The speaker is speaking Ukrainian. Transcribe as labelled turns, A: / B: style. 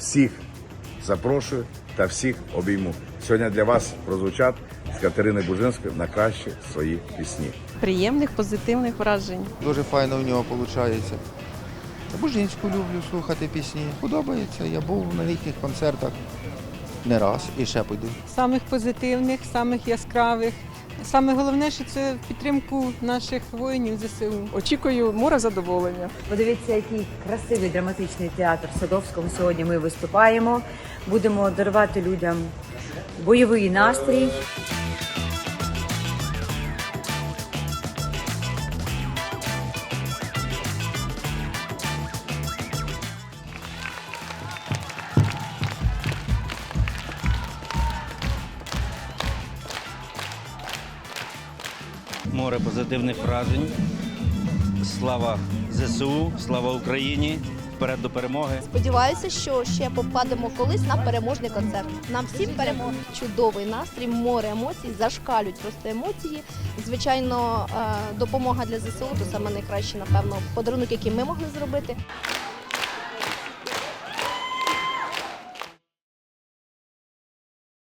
A: всіх запрошую та всіх обійму. Сьогодні для вас прозвучать з Катерини Бужинської на кращі свої пісні.
B: Приємних, позитивних вражень.
C: Дуже файно в нього виходить. Бужинську люблю слухати пісні. Подобається. Я був на їхніх концертах не раз і ще піду.
D: Самих позитивних, самих яскравих. Саме головне, що це в підтримку наших воїнів ЗСУ.
B: Очікую море задоволення.
E: Подивіться, який красивий драматичний театр в Садовському. Сьогодні ми виступаємо. Будемо дарувати людям бойовий настрій.
F: Море позитивних вражень. Слава ЗСУ, слава Україні, вперед до перемоги.
G: Сподіваюся, що ще попадемо колись на переможний концерт. Нам всім перемоги. Чудовий настрій, море емоцій, зашкалюють просто емоції. Звичайно, допомога для ЗСУ – то саме найкращий, напевно, подарунок, який ми могли зробити.